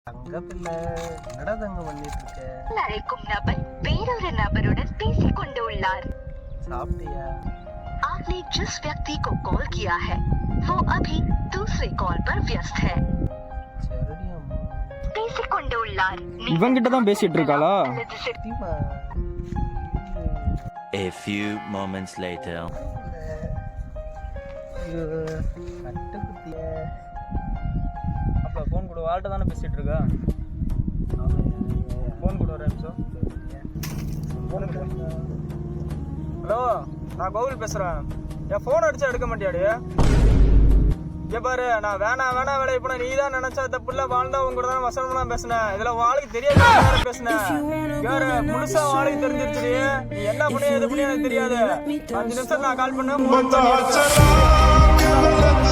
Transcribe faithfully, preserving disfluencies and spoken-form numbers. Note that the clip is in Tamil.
தங்க பிள்ளை என்னடா தங்க பண்ணிட்டு இருக்க? அழைக்கும் நபர் வேறொரு நபருடன் பேசிக் கொண்டு உள்ளார். சாப்பிட்டியா? आपने जिस व्यक्ति को कॉल किया है वो अभी दूसरे कॉल पर व्यस्त है. சரிடி அம்மா. பேசிக் கொண்டு உள்ளார். இவங்கிட்ட தான் பேசிட்டு இருக்காளா? சத்தியமா? A few moments later. ஐயோ, கட்டுக்குட்டியே. அப்ப ஃபோன் கூட வாழ்ட்ட தானே பேசிட்டு இருக்கா? ஃபோன் கூட ஒரு நிமிஷம். ஹலோ, நான் கோவில் பேசுறேன். என் ஃபோன் அடிச்சா எடுக்க மாட்டியாடி? இங்க பாரு, நான் வேணா வேணா வேலை இப்ப நீ தான் நினைச்சா தப்புல வாழ்ந்தா உங்க கூட தான் வசனம்லாம் பேசினேன். இதுல வாளுக்கு தெரியாத பேசினேன். யாரு முழுசா வாளுக்கு தெரிஞ்சிருச்சு. நீ என்ன பண்ணி எது பண்ணி எனக்கு தெரியாது. அஞ்சு நிமிஷம் நான் கால் பண்ண